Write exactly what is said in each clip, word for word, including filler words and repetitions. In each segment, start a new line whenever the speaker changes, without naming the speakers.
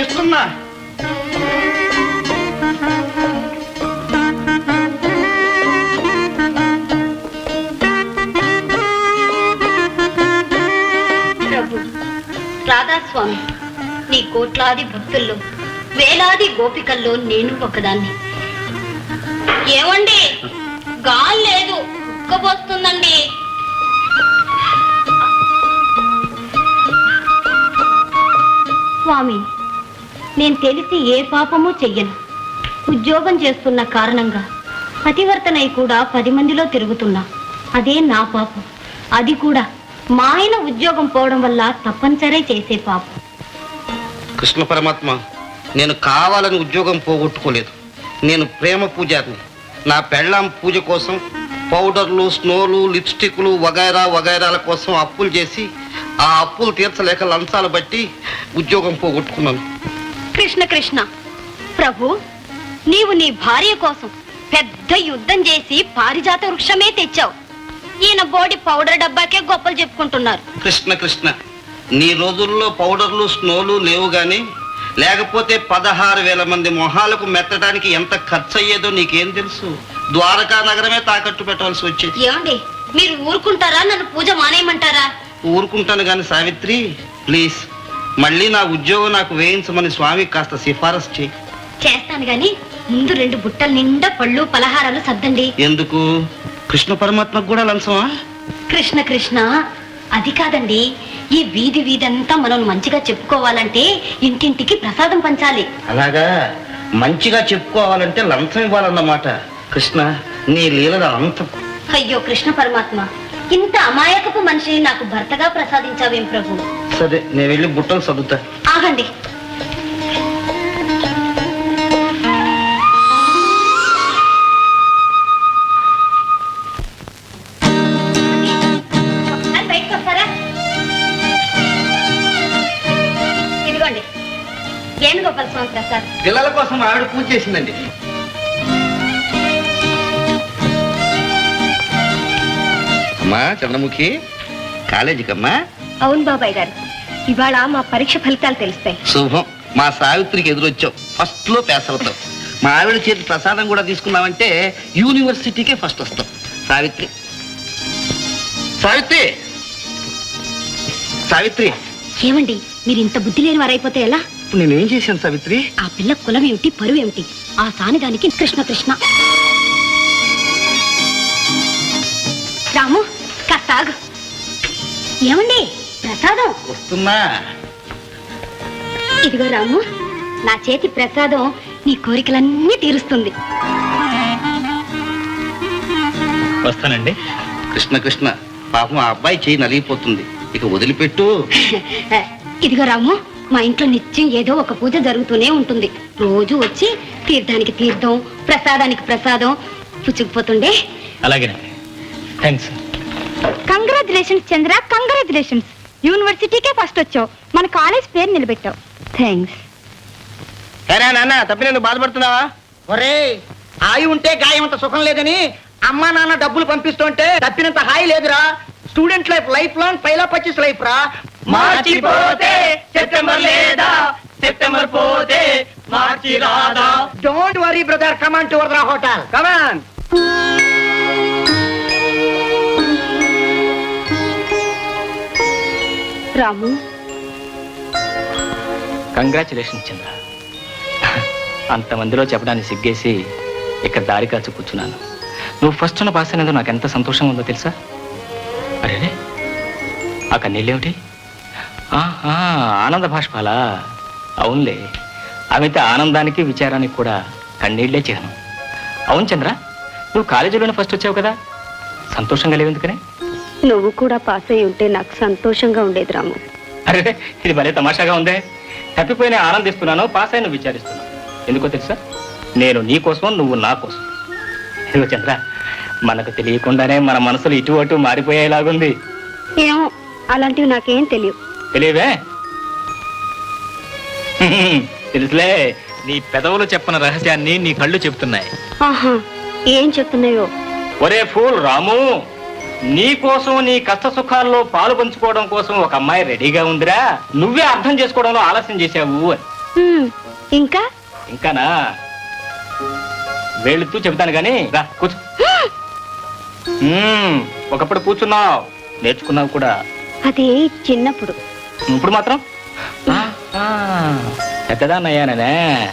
తెస్తున్నా.
రాధాస్వామి, నీ కోట్లాది భక్తుల్లో వేలాది గోపికల్లో నేను ఒకదాన్ని. ఏమండి, గాలి లేదు, ఉక్కబోస్తుందండి. స్వామి, నేను తెలిసి ఏ పాపమూ చెయ్యను. ఉద్యోగం చేస్తున్న కారణంగా పతివర్తనై కూడా పది మందిలో తిరుగుతున్నా. అదే నా పాపం. అది కూడా మా ఆయన ఉద్యోగం పోవడం వల్ల తప్పనిసరి చేసే పాపం.
కృష్ణ పరమాత్మ, నేను కావాలని ఉద్యోగం పోగొట్టుకోలేదు. నేను ప్రేమ పూజారిని. నా పెళ్ళాం పూజ కోసం పౌడర్లు, స్నోలు, లిప్స్టిక్లు వగైరా వగైరాల కోసం అప్పులు చేసి ఆ అప్పులు తీర్చలేక లంచాలు బట్టి ఉద్యోగం పోగొట్టుకున్నాను.
కృష్ణ కృష్ణ, ప్రభు, నీవు నీ భార్య కోసం పెద్ద యుద్ధం చేసి పారిజాత వృక్షమే తెచ్చావు. ఈయన బోడి పౌడర్ డబ్బాకే గొప్పలు చెప్పుకుంటున్నారు.
కృష్ణ కృష్ణ, నీ రోజుల్లో పౌడర్లు, స్నోలు లేవు గాని లేకపోతే పదహారు వేల మంది మొహాలకు మెత్తడానికి ఎంత ఖర్చు అయ్యేదో నీకేం తెలుసు? ద్వారకా నగరమే తాకట్టు పెట్టాల్సి వచ్చేది.
ఏమండి, మీరు ఊరుకుంటారా? నన్ను పూజ మానేయమంటారా?
ఊరుకుంటాను గాని సావిత్రి, ప్లీజ్ మళ్ళీ నా ఉద్యోగం నాకు వేయించమని స్వామికి కాస్త సిఫారసు చేయి.
చేస్తాను గాని ముందు రెండు బుట్టల నిండా పళ్ళు పలహారాలు సర్దండి.
ఎందుకు? కృష్ణ పరమాత్మకు కూడా లంచమా?
కృష్ణ కృష్ణ, అది కాదండి. ఈ వీధి వీధంతా మనం మంచిగా చెప్పుకోవాలంటే ఇంటింటికి ప్రసాదం పంచాలి.
అలాగా? మంచిగా చెప్పుకోవాలంటే లంచం ఇవ్వాలన్నమాట. కృష్ణ, నీ లీలల అంతం.
అయ్యో కృష్ణ పరమాత్మ, ఇంత అమాయకపు మనిషిని నాకు భర్తగా ప్రసాదించావేం ప్రభు.
సరే, నేను వెళ్ళి బుట్టలు చదువుతా.
ఆగండి. బయటకు వస్తారా? ఇదిగోండి వేణుగోపాల స్వామి ప్రసాద్.
పిల్లల కోసం ఆవిడ పూజ చేసిందండి. అమ్మా చంద్రముఖి, కాలేజీకమ్మా?
అవును బాబాయ్ గారు, ఇవాళ మా పరీక్ష ఫలితాలు తెలుస్తాయి.
శుభం. మా సావిత్రికి ఎదురొచ్చావు, ఫస్ట్ లో పాస్ అవుతావు. మా ఆవిడ చేతి ప్రసాదం కూడా తీసుకున్నావంటే యూనివర్సిటీకే ఫస్ట్ వస్తావు. సావిత్రి, సావిత్రి, సావిత్రి.
ఏమండి, మీరు ఇంత బుద్ధి లేని వారైపోతే ఎలా?
ఇప్పుడు నేనేం చేశాను సావిత్రి?
ఆ పిల్ల కులం ఏమిటి, పరువు ఏమిటి? ఆ సానిదానికి కృష్ణ కృష్ణ. రాము, కాస్త ఆగు. ఏమండి, ప్రసాదం
వస్తున్నా.
ఇదిగో రాము, నా చేతి ప్రసాదం నీ కోరికలన్నీ తీరుస్తుంది.
వస్తానండి.
కృష్ణ కృష్ణ, పాపం ఆ అబ్బాయి చేయి నలిగిపోతుంది, ఇక వదిలిపెట్టు.
ఇదిగో రాము, మా ఇంట్లో నిత్యం ఏదో ఒక పూజ జరుగుతూనే ఉంటుంది. రోజు వచ్చి తీర్థానికి తీర్థం, ప్రసాదానికి ప్రసాదం పుచ్చుకుపోతుండే.
అలాగేనండి, థ్యాంక్స్.
Congratulations Chandra, congratulations. యూనివర్సిటీకే ఫస్ట్ వచ్చావు, మన కాలేజ్ పేరు నిలబెట్టావు. థ్యాంక్స్.
సరే నాన్న, తప్పి బాధపడుతున్నావా?
ఒరే, హాయి ఉంటే గాయం అంత సుఖం లేదని అమ్మా నాన్న డబ్బులు పంపిస్తుంటే తప్పినంత హాయి లేదురా. స్టూడెంట్ లైఫ్ లైఫ్ లాంగ్ పైలా పచ్చిస్ లైఫ్ రా.
మార్చిపోతే సెప్టెంబర్ లేదా, సెప్టెంబర్ పోతే మార్చి రాదా.
Don't worry brother, come on to Vardha hotel, come on.
Ramu,
congratulation Chandra. అంతమందిలో చెప్పడానికి సిగ్గేసి ఇక్కడ దారి కాచి కూర్చున్నాను. నువ్వు ఫస్ట్ ఉన్న పాస్ అనేది నాకు ఎంత సంతోషంగా ఉందో తెలుసా? అరే, ఆ కన్నీళ్ళేమిటి? ఆహా, ఆనంద భాష్పాలా? అవునులే, అమిత ఆనందానికి విచారానికి కూడా కన్నీళ్లే చిహ్నం. అవును చంద్ర, నువ్వు కాలేజీలోనే ఫస్ట్ వచ్చావు కదా, సంతోషంగా లేవు ఎందుకనే?
నువ్వు కూడా పాస్ అయి ఉంటే నాకు సంతోషంగా ఉండేది రాము.
అరే, ఇది భలే తమాషాగా ఉందే. తప్పిపోయినా ఆనందిస్తున్నాను, పాస్ అయిన విచారిస్తున్నాను. ఎందుకో తెలుసా? నేను నీ కోసం, నువ్వు నా కోసం. ఇదిగో చంద్ర, మనకు తెలియకుండానే మన మనసులు ఇటు అటు మారిపోయేలాగుంది.
ఏమో, అలాంటివి నాకేం తెలియదు.
తెలియవే? తెలుసులే, నీ పెదవులు చెప్పిన రహస్యాన్ని నీ కళ్ళు చెప్తున్నాయి.
ఆహా, ఏం చెప్తున్నాయో?
ఒరే ఫూల్ రాము, నీ కోసం, నీ కష్ట సుఖాల్లో పాలు పంచుకోవడం కోసం ఒక అమ్మాయి రెడీగా ఉందిరా. నువ్వే అర్థం చేసుకోవడంలో ఆలస్యం చేశావు.
హ్మ్, ఇంకా
ఇంకానా వెళుతూ చెబుతాను కానీ రా కూర్చో. మ్మ్, ఒకప్పుడు కూర్చున్నావు నేర్చుకున్నావు కూడా.
అది చిన్నప్పుడు.
ఇప్పుడు మాత్రం ఆ, ఆ, పెద్దదాన్నయ్యానే.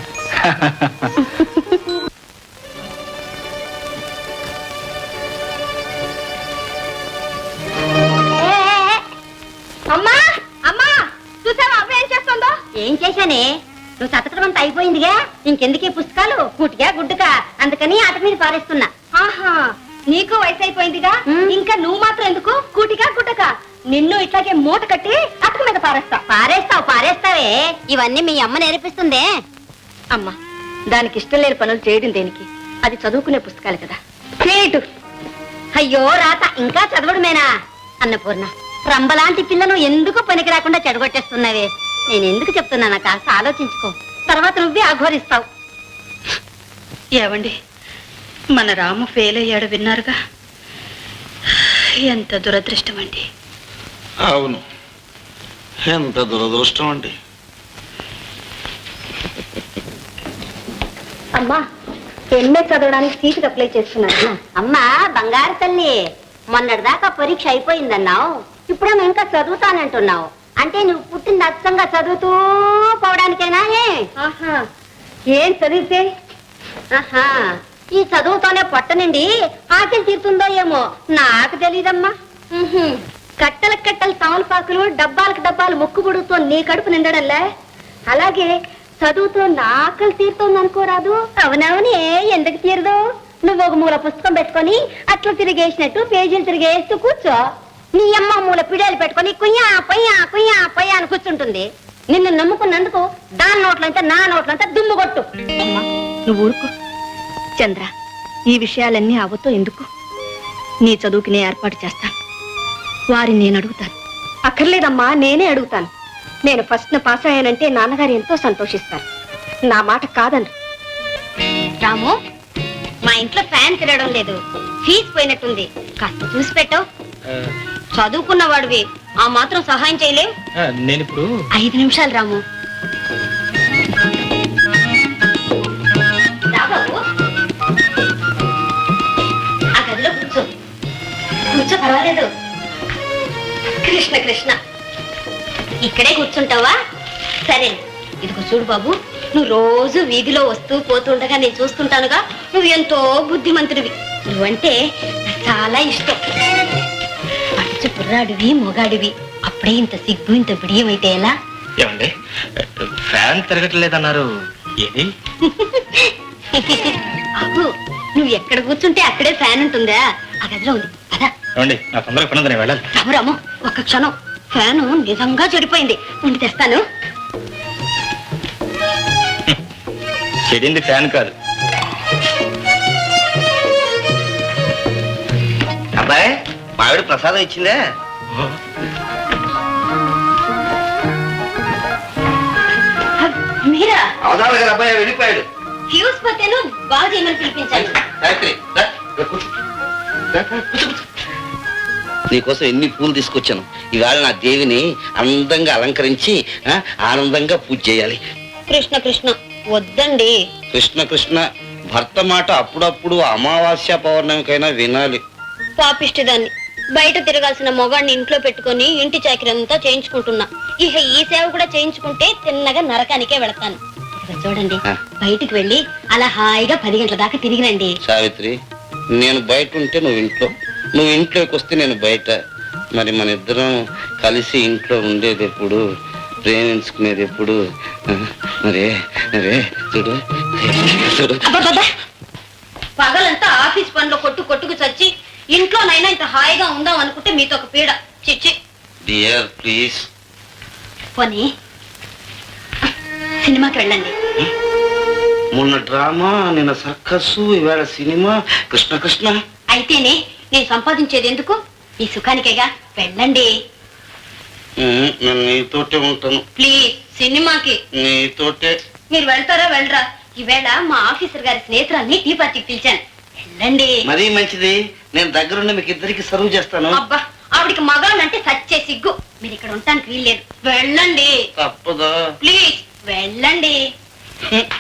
అమ్మా అమ్మా చూసావా అమ్మ ఏం చేస్తుందో? ఏం చేశానే? నువ్వు చతకడం అంతా అయిపోయిందిగా, ఇంకెందుకే పుస్తకాలు? కూటిగా గుడ్డుగా, అందుకని ఆట మీద పారేస్తున్నా. ఆహా, నీకు వయసు అయిపోయిందిగా, ఇంకా నువ్వు మాత్రం ఎందుకు కూటిగా గుడ్డగా? నిన్ను ఇట్లాగే మూట కట్టి అటుకు మీద పారేస్తా. పారేస్తావు పారేస్తావే, ఇవన్నీ మీ అమ్మ నేర్పిస్తుందే. అమ్మా, దానికి ఇష్టం లేని పనులు చేయడం దేనికి? అది చదువుకునే పుస్తకాలు కదా. చేయటు. అయ్యో రాత, ఇంకా చదవడమేనా? అన్నపూర్ణ, రంబలాంటి పిల్లను ఎందుకు పనికి రాకుండా చెడగొట్టేస్తున్నావే? నేను ఎందుకు చెప్తున్నానా కాస్త ఆలోచించుకో, తర్వాత నువ్వే అఘోరిస్తావు.
ఏవండి, మన రాము ఫెయిల్ అయ్యాడు విన్నారుగా? ఎంత దురదృష్టం అండి.
అవును, ఎంత దురదృష్టం అండి.
అమ్మా, ఎంఏ చదవడానికి సీటుకి అప్లై చేస్తున్నాను. అమ్మా బంగారు తల్లి, మొన్నటిదాకా పరీక్ష అయిపోయిందన్నావు, ఇప్పుడేమో ఇంకా చదువుతానంటున్నావు. అంటే నువ్వు పుట్టింది అచ్చంగా చదువుతూ పోవడానికేనా? ఆహా, ఏం చదివితే? ఆహా, ఈ చదువుతోనే పొట్ట నుండి ఆకలి తీరుతుందో ఏమో నాకు తెలీదమ్మా. ఉహుం, కట్టల కట్టలు తమలపాకులు, డబ్బాలకు డబ్బాలు ముక్కు పొడుగుతో నీ కడుపు నిండడంలే, అలాగే చదువుతో నా ఆకలి తీరుతుంది అనుకోరాదు. అవునవునే, ఎందుకు తీరదు? నువ్వు ఒక మూల పుస్తకం పెట్టుకొని అట్లా తిరిగేసినట్టు పేజీలు తిరిగేస్తూ కూర్చో. నీ అమ్మ మూల పిడాలు పెట్టుకొని కుయ్యా పొయ్యా కుయ్యా పొయ్యా అని కూర్చుంటుంది. నిన్ను నమ్ముకున్నందుకు దాని నోట్లంతా నా నోట్లంతా దుమ్ము కొట్టు. అమ్మా నువ్వు ఊరుకో. చంద్ర, ఈ విషయాలన్నీ అవతో ఎందుకు? నీ చదువుకి నేను ఏర్పాటు చేస్తాను. వారిని నేను అడుగుతాను. అక్కర్లేదమ్మా, నేనే అడుగుతాను. నేను ఫస్ట్ పాస్ అయ్యానంటే నాన్నగారు ఎంతో సంతోషిస్తారు. నా మాట కాదండి. రాము, మా ఇంట్లో ఫ్యాన్ తిరగడం లేదు, ఫీజు పోయినట్టుంది, కాస్త చూసి పెట్టవు. చదువుకున్న వాడివి, ఆ మాత్రం సహాయం చేయలేవు?
నేను ఇప్పుడు
ఐదు నిమిషాలు రాము. రా బాబు, ఆ గదిలో కూర్చో. కూర్చో, పర్వాలేదు. కృష్ణ కృష్ణ, ఇక్కడే కూర్చుంటావా? సరే, ఇదిగో చూడు బాబు, నువ్వు రోజు వీధిలో వస్తూ పోతుండగా నేను చూస్తుంటానుగా, నువ్వు ఎంతో బుద్ధిమంతుడివి. నువ్వంటే నాకు చాలా ఇష్టం. పచ్చ కుర్రాడివి, మొగాడివి, అప్పుడే ఇంత సిగ్గు ఇంత బిడియం అయితే ఎలా?
ఏమండి, ఫ్యాన్ తిరగట్లేదన్నారు, ఏది?
అబ్బు, నువ్వు ఎక్కడ కూర్చుంటే అక్కడే ఫ్యాన్ ఉంటుందా? ఆ గదిలో ఉంది కదా.
ఏమండి, నా తొందరగా పని ఉంది, నేను వెళ్ళాలి.
రాము రాము, ఒక్క క్షణం, ఫ్యాను నిజంగా చెడిపోయింది, ఉండి తెస్తాను.
చెడింది ఫ్యాన్ కాదు.
అబ్బాయి, మావిడ ప్రసాదం ఇచ్చిందే?
మీరా?
అవదాల గారు అబ్బాయి వెళ్ళిపోయాడు.
ఫ్యూజ్ పోతేను బాగా చేయమని పిలిపించాను.
గాయత్రి, రా, రా, కూర్చో. రా, రా, కూర్చో, కూర్చో. నీకోసం ఎన్ని పూలు తీసుకొచ్చాను. ఇవాళ నా దేవిని అందంగా అలంకరించి ఆ, ఆనందంగా పూజ చేయాలి.
కృష్ణ కృష్ణ, వద్దండి.
కృష్ణ కృష్ణ, భర్త మాట అప్పుడప్పుడు అమావాస్య పౌర్ణమికైనా వినాలి.
పాపిష్టిదాన్ని, బయట తిరగాల్సిన మొగాడిని ఇంట్లో పెట్టుకొని ఇంటి చాకరీ అంతా చేయించుకుంటున్నా. ఇక ఈ సేవ కూడా చేయించుకుంటే తిన్నగా నరకానికే వెళతాను. ఇదిగో చూడండి,
ఆ.
బయటికి వెళ్ళి అలా హాయిగా పది గంటల దాకా తిరిగిరండి.
సావిత్రి, నేను బయట ఉంటే నువ్వు ఇంట్లో, నువ్వు ఇంట్లోకి వస్తే నేను బయట. మరి మన ఇద్దరం కలిసి ఇంట్లో ఉండేది ఎప్పుడు, ప్రేమించుకునేది ఎప్పుడు? ఆ, మరే మరే చూడు చూడు.
అబ్బబ్బబ్బా! పగలంతా ఆఫీస్ పనిలో కొట్టు కొట్టుకు చచ్చి ఇంట్లోనైనా ఇంత హాయిగా ఉందాం అనుకుంటే మీతో ఒక పీడ. చిచ్చి.
Dear please.
పోనీ సినిమాకి వెళ్ళండి.
మొన్న డ్రామా, నిన్న సర్కస్సు, ఇవాళ సినిమా. కృష్ణ కృష్ణ,
అయితేనే నేను సంపాదించేది ఎందుకు? ఈ సుఖానికేగా. వెళ్ళండి
ఉమ్, నేను నీతోటే ఉంటాను.
ప్లీజ్. సినిమాకి
నీతోటే.
మీరు వెళ్తారా వెళ్ళరా? ఈవేళ మా ఆఫీసర్ గారి స్నేహితురాల్ని టీ పార్టీకి పిలిచాను. వెళ్ళండి.
మరీ మంచిది, నేను దగ్గరుండి మీకు ఇద్దరికి సర్వ్ చేస్తాను.
అబ్బా, ఆవిడికి మగాళ్ళంటే సచ్చే సిగ్గు. మీరు ఇక్కడ ఉండటానికి వీల్లేదు. వెళ్ళండి
తప్పదా?
ప్లీజ్. వెళ్ళండి